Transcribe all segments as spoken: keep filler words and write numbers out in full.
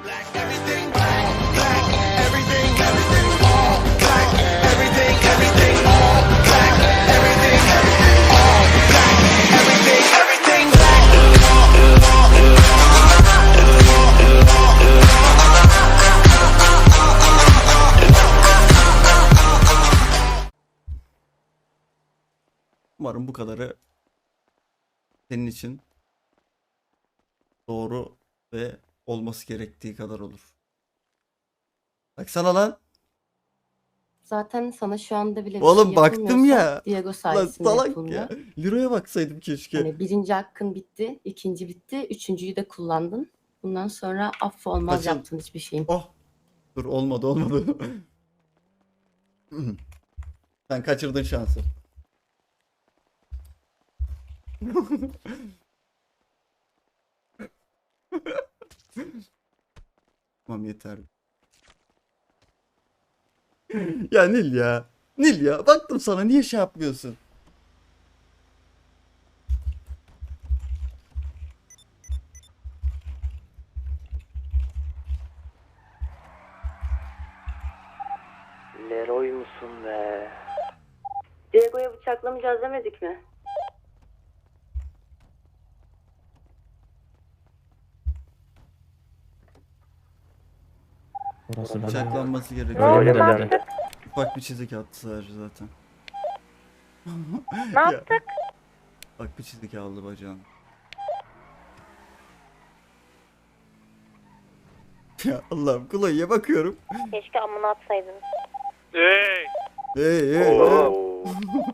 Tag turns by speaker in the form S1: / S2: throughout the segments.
S1: Umarım bu kadarı senin için doğru ve olması gerektiği kadar olur. Baksana lan.
S2: Zaten sana şu anda bile bir
S1: Oğlum
S2: şey
S1: baktım
S2: yapılmıyorsa
S1: ya.
S2: Diego
S1: Lan
S2: sayesinde
S1: salak
S2: yapılmıyor.
S1: ya. Liraya baksaydım keşke.
S2: Hani birinci hakkın bitti, ikinci bitti, üçüncüyü de kullandın. Bundan sonra affı olmaz
S1: Kaçın.
S2: yaptığın hiçbir şeyin.
S1: Oh. Dur olmadı olmadı. Sen kaçırdın şansı. Tamam yeter. Ya Nil ya. Nil ya. Baktım sana niye şey yapmıyorsun?
S3: Leroy musun be?
S2: Diego'ya bıçaklamayacağız demedik mi?
S4: Orası ben.
S1: Bıçaklanması gerekiyor.
S4: Öyle mi dedi?
S1: Ufak bir çizik attı sadece zaten.
S5: Ne
S1: Ya,
S5: yaptık?
S1: bak bir çizik aldı bacağını. Ya Allah'ım Kulay'a bakıyorum.
S5: Keşke amına atsaydın.
S6: Hey!
S1: Hey hey hey.
S3: Oo.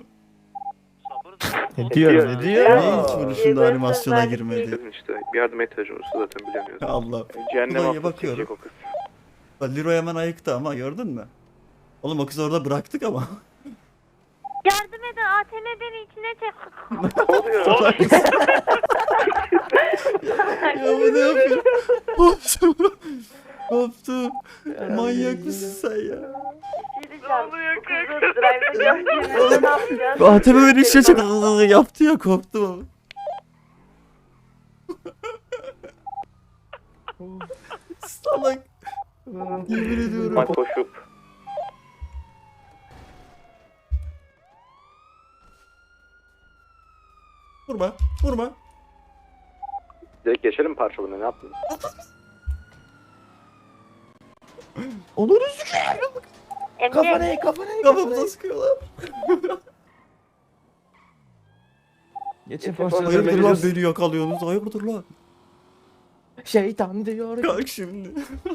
S4: Ne diyor? Ne diyor?
S1: Niye hiç vuruşunda animasyona girmedi?
S3: Kızın işte bir yardıma ihtiyacı olursa zaten bilemiyorsun.
S1: Allah.
S3: Cehennem
S1: Kulay'a
S3: hafif
S1: bakıyorum.
S3: çekecek o kız.
S1: Bak Liro hemen ayıktı ama gördün mü? Oğlum o kızı orada bıraktık ama.
S5: Yardım edin, A T M beni içine çek.
S3: Ne oluyor?
S1: Ya bu ne yapıyor? Koptum. Koptum. Manyak mısın sen ya?
S2: Ne oluyor kanka? Ne yapacağız?
S1: A T M beni işe çek yaptı ya korktum ama. Salak. Yemin ediyorum.
S3: Bak koşup.
S1: Vurma. Vurma.
S3: Direkt geçelim parçalarına, ne yaptın?
S4: Olur
S5: Emre,
S4: kafanayı kafanayı.
S1: Kafamıza sıkıyorlar.
S4: Geçin
S1: Hayırdır
S4: pozisyonu
S1: lan beni yakalıyorsunuz. Hayırdır lan.
S4: Şeytan diyor.
S1: Kalk şimdi.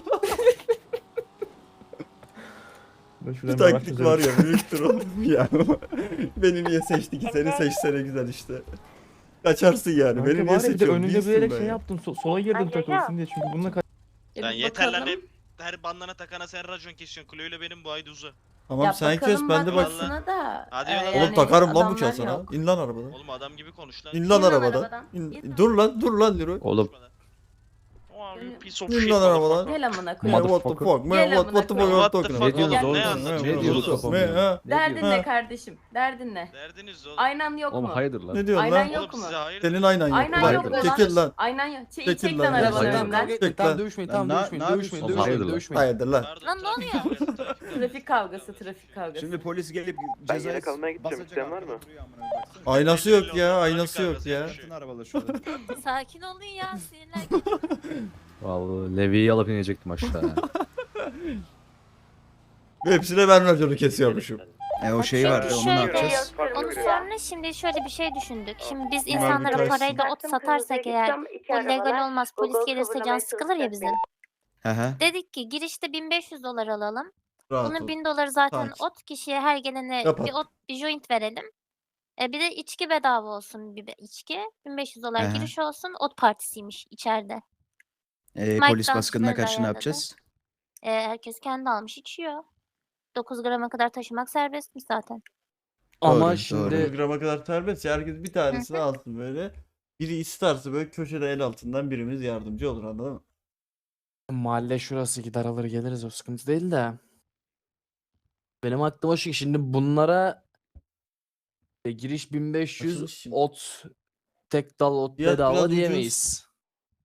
S4: Ben
S1: Bir
S4: şuradan
S1: taktik
S4: bir
S1: var ya büyüktür oğlum ya. Beni niye seçti ki? Seni seçsene güzel işte. Kaçarsın yani.
S4: Kanka
S1: Beni niye
S4: var ya, bir de
S1: seçiyorsun?
S4: önünde
S1: Değilsin
S4: bilerek
S1: ben
S4: şey
S1: ya.
S4: yaptım. So- sola girdim
S5: Ay,
S4: takılsın diye çünkü bununla kaç.
S6: Sen yeter lan hep her bandana takana sen racon kesiyorsun. Chloe ile benim bu ayda uza.
S1: Tamam
S2: Ya
S1: sen kes
S2: bakalım
S1: ben de bak.
S2: bakmasına da.
S6: Hadi
S2: e,
S6: yola.
S1: Oğlum
S2: yani
S1: takarım lan
S2: adamlar
S1: bıçağı sana.
S2: yok.
S1: İn lan arabadan.
S6: Oğlum adam gibi konuş lan.
S1: İn lan
S2: İn lan
S1: arabadan.
S2: arabadan.
S1: İn-
S2: İn lan.
S1: Dur lan dur lan Leroy.
S4: Oğlum.
S6: Oh, you piece of
S1: İn
S6: shit,
S1: lan arabadan.
S6: motherfucker.
S2: Gel amına
S1: Man,
S2: koyayım.
S1: what the
S4: Motherfucker.
S1: fuck? Man,
S2: Gel
S1: what,
S2: amına
S1: what the fuck
S2: koyayım.
S1: are you
S6: What the
S1: talking
S6: fuck?
S1: about?
S4: Ne diyorsunuz
S6: Ne
S4: oğlum?
S6: anlatıyorsun?
S4: Ne
S6: Ne
S4: diyorsunuz
S6: diyorsun?
S4: kafam
S1: Man,
S4: ya?
S1: ha?
S2: Derdin
S1: Ha.
S2: ne kardeşim? Derdin ne?
S6: Derdiniz oğlum.
S2: Aynan yok
S4: Oğlum
S2: mu?
S4: hayırdır lan?
S1: Ne diyorsun
S2: Aynen
S1: lan?
S2: yok
S6: Oğlum
S2: mu?
S6: size hayır.
S1: Senin aynen yok.
S2: Aynen
S1: Ulan,
S2: yok mu
S1: çekil lan.
S2: Aynen yok. Çek,
S1: Çekil
S2: çek
S1: lan
S2: lan
S1: ya.
S2: arabanın
S1: Hayır,
S2: önünden.
S1: Çek lan.
S4: dövüşmeyin tamam
S7: Na-
S4: dövüşmeyin
S7: ne
S4: dövüşmeyin
S7: yapıyorsun?
S4: dövüşmeyin
S7: Hayırdır
S4: dövüşmeyin.
S1: Hayırdır lan.
S6: Pardon,
S5: Lan ne
S6: trafik
S5: oluyor?
S6: kavgası, trafik kavgası.
S2: Trafik kavgası, trafik kavgası.
S7: Şimdi polis gelip
S3: Ben
S7: cezayı
S3: yere kalmaya gideceğim,
S7: basacak,
S3: isteyen var mı?
S7: arkada duruyor amına koyayım, baksana.
S1: Aynası yok ya. Aynası yok ya.
S7: Bütün arabalar şurada.
S5: Sakin olun ya, sinirler.
S4: Vallahi Levi'yi alıp inecektim aşağı.
S1: Ve hepsine ben raconu kesiyormuşum.
S7: E o şey var,
S5: Çünkü
S7: onu ne
S5: şöyle,
S7: yapacağız?
S5: Onu sonra şimdi şöyle bir şey düşündük. Şimdi biz
S1: Bunlar
S5: insanlara
S1: bir
S5: parayla ot satarsak eğer bu legal olmaz. Polis gelirse can sıkılır ya bizim.
S7: Hı hı.
S5: Dedik ki girişte bin beş yüz dolar alalım.
S1: Rahat
S5: Bunun
S1: ol.
S5: bin doları zaten
S1: Sakin.
S5: ot, kişiye her gelene
S1: Kapat.
S5: bir ot bir joint verelim. E bir de içki bedava olsun, bir be- içki. bin beş yüz dolar
S7: Aha.
S5: giriş olsun. Ot partisiymiş içeride.
S7: E,
S5: Mike
S7: polis baskınına
S5: dansçıları
S7: karşı ne
S5: ayarladı.
S7: yapacağız?
S5: E, herkes kendi almış içiyor. dokuz grama kadar taşımak serbestmiş zaten.
S4: Ama
S7: Doğru,
S4: şimdi
S1: dokuz grama kadar serbest ya. Herkes bir tanesini alsın böyle. Biri isterse böyle köşede el altından birimiz yardımcı olur anladın mı?
S4: mahalle şurası gider alır geliriz o sıkıntı değil de. Benim aklıma şu ki şimdi bunlara e, giriş bin beş yüz
S1: Açılış şimdi.
S4: ot tek dal ot
S1: Fiyat biraz
S4: bedava
S1: ucuz.
S4: diyemeyiz.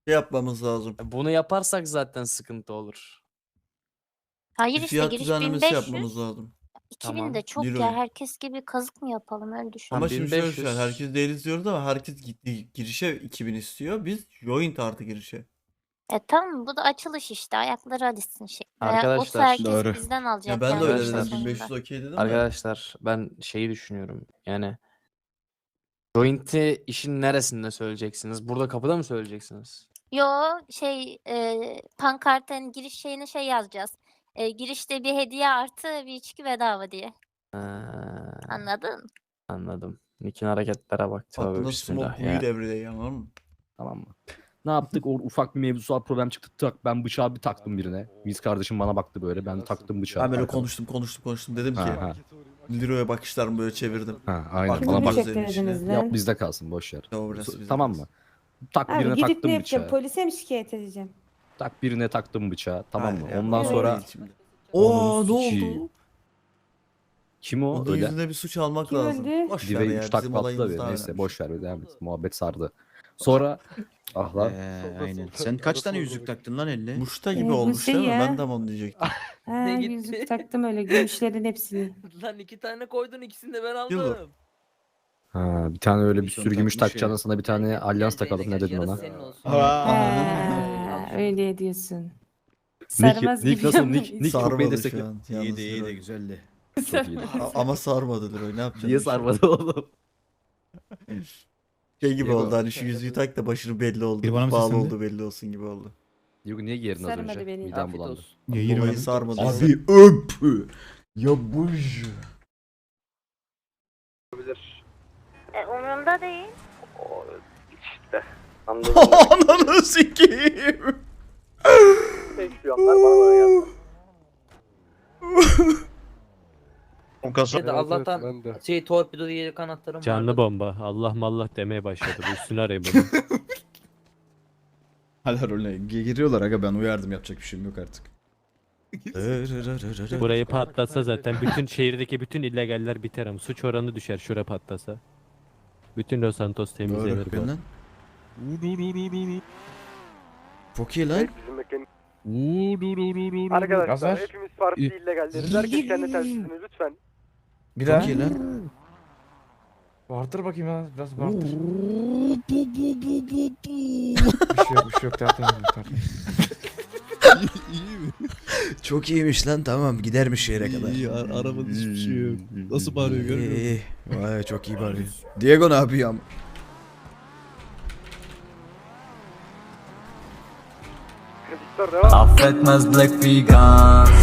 S1: şey yapmamız lazım.
S4: Bunu yaparsak zaten sıkıntı olur.
S5: Hayır
S1: Bir
S5: işte
S1: fiyat
S5: giriş
S1: düzenlemesi
S5: bin beş
S1: yapmamız
S5: yüz.
S1: lazım.
S5: iki bin
S4: Tamam.
S5: de çok
S1: Euro.
S5: ya. Herkes gibi kazık mı yapalım öyle düşün.
S1: Ama
S4: Tamam,
S1: şimdi şöyle
S4: bin beş yüz.
S1: düşün, herkes değiliz diyoruz ama herkes gitti girişe iki bin istiyor. Biz joint artı girişe.
S5: E tamam bu da açılış işte. Ayakları alışsın şey.
S4: Arkadaşlar,
S5: Olsa herkes
S7: doğru.
S5: bizden alacak.
S1: Ya ben de
S5: yani
S1: öyle
S5: işin
S1: dedim.
S4: Arkadaşlar.
S1: bin beş yüz
S5: sonunda.
S1: okey dedim de.
S4: Arkadaşlar ben şeyi düşünüyorum. Yani joint'i işin neresinde söyleyeceksiniz? Burada kapıda mı söyleyeceksiniz?
S5: Yo şey e, pankartın giriş şeyine şey yazacağız. E, girişte bir hediye artı bir içki bedava diye.
S4: Ha,
S5: Anladın?
S4: anladım. Nick'in hareketlere bak. Tövbe
S1: Aklında
S4: bismillah
S1: smoke
S4: ya.
S1: weed everyday anladın mı?
S8: Tamam mı? Ne yaptık? O ufak bir mevzusal problem çıktı. Tak, ben bıçağı bir taktım birine. Biz kardeşim bana baktı böyle. Ben taktım bıçağı.
S1: Ben böyle
S8: arkama.
S1: konuştum konuştum konuştum dedim ki
S8: Ha, ha.
S1: Leroy'a bakışlarımı böyle çevirdim.
S8: Ha, aynen.
S1: Baktım
S8: Bana
S1: biz
S8: bak.
S1: de
S9: çektirdiniz
S1: içine.
S9: lan?
S8: Yap bizde kalsın boş yer.
S1: Tamam, burası bizde
S8: Tamam
S1: kalsın.
S8: mı? Tak
S9: Abi
S8: birine
S9: gidip ne
S8: taktım
S9: yapacağım?
S8: bıçağı.
S9: Polise mi şikayet edeceğim?
S8: Tak birine taktım bıçağı. Tamam mı?
S1: Hayır ya,
S8: Ondan
S1: o
S8: sonra
S1: değil şimdi. Oo
S8: Onun
S1: ne
S8: suçu.
S1: oldu?
S8: kim o?
S1: Onun
S8: Öyle.
S1: yüzüne bir suç almak
S9: Kim
S1: lazım.
S9: öldü?
S1: Boş ver
S8: Dive
S1: ya
S8: üç tak
S1: bizim
S8: patladı
S1: olayımız
S8: bir.
S1: daha
S8: Neyse
S1: önemli.
S8: boş ver devam et. Muhabbet sardı. Sonra ah lan.
S7: Ee, aynen. Sen kaç tane yüzük taktın lan elle?
S1: Muşta
S9: Ee,
S1: gibi
S9: bu
S1: olmuş
S9: şey
S1: değil mi?
S9: ya.
S1: Ben de onu diyecektim.
S9: Ha,
S10: Ne gitti?
S9: yüzük taktım öyle gümüşlerin hepsini.
S10: Lan iki tane koydun ikisini de ben aldım.
S1: Yılı.
S8: Ha, bir tane öyle bir
S7: Bir son
S8: sürü gümüş
S7: takmış
S8: takacağına
S7: ya.
S8: sana bir tane alyans takalım ne dedin
S10: Yarısı
S8: ona?
S10: senin olsun.
S9: Ha, öyle diyorsun.
S8: Nick,
S9: Sarmaz
S8: Nick
S9: gibi
S8: nasıl?
S9: ama
S8: Nick, Nick çok beni
S1: Sarmadı
S8: destekle.
S1: şu an. yalnız
S7: İyiydi iyiydi
S1: Leroy.
S7: güzeldi.
S8: Çok iyiydi.
S1: A- Ama sarmadı Leroy ne yapacaksın?
S8: Niye sarmadı oğlum?
S1: Şey gibi
S7: Diego.
S1: oldu hani şu yüzüğü tak da başını belli oldu.
S7: Bir bana mı
S1: Bağlı
S7: seslendi?
S1: oldu belli olsun gibi oldu.
S8: Yok niye giyerin az
S9: Sarmadı
S8: önce?
S9: beni.
S8: Midem
S10: Afiyet
S8: bulandı.
S10: olsun.
S7: Niye
S1: Olayı
S7: girmedin?
S1: sarmadı.
S7: Abi öp. Ya buj.
S5: E, umurumda değil.
S3: İşte. Anladım.
S7: Ananı sikeyim.
S3: Şampiyonlar bana bana geldi.
S6: O kasa.
S10: Ya da Allah'tan şey torpido diye kanatlarım
S11: Canlı
S10: vardı.
S11: bomba. Allah mallah demeye başladı. Bu üstüne arayın bunu.
S7: Hala rolüne gi- giriyorlar aga ben uyardım yapacak bir şeyim yok artık.
S11: Burayı patlatsa zaten bütün şehirdeki bütün illegaller biter ama suç oranı düşer şura patlasa. Bütün Los Santos temizlenir
S7: Doğru.
S11: bu.
S7: Ben lan. Çok iyi lan.
S3: Bizim mekan... Arkadaşlar hepimiz parti illegalleriz. Herkes kendi telsizini lütfen.
S7: Bir Çok iyi lan.
S12: Bağırtır bakayım ya. Biraz bağırtır. bir şey yok bir şey yok. Zaten
S7: Çok iyiymiş lan tamam gidermiş şehre kadar.
S12: İyi, ar- arabanın hiçbir şey yok. Nasıl bağırıyor görmüyor musun?
S7: İyi. Vay çok iyi bağırıyor. Diego ne yapıyor ama?
S3: Victor devam.
S12: Affetmez Black Vegan.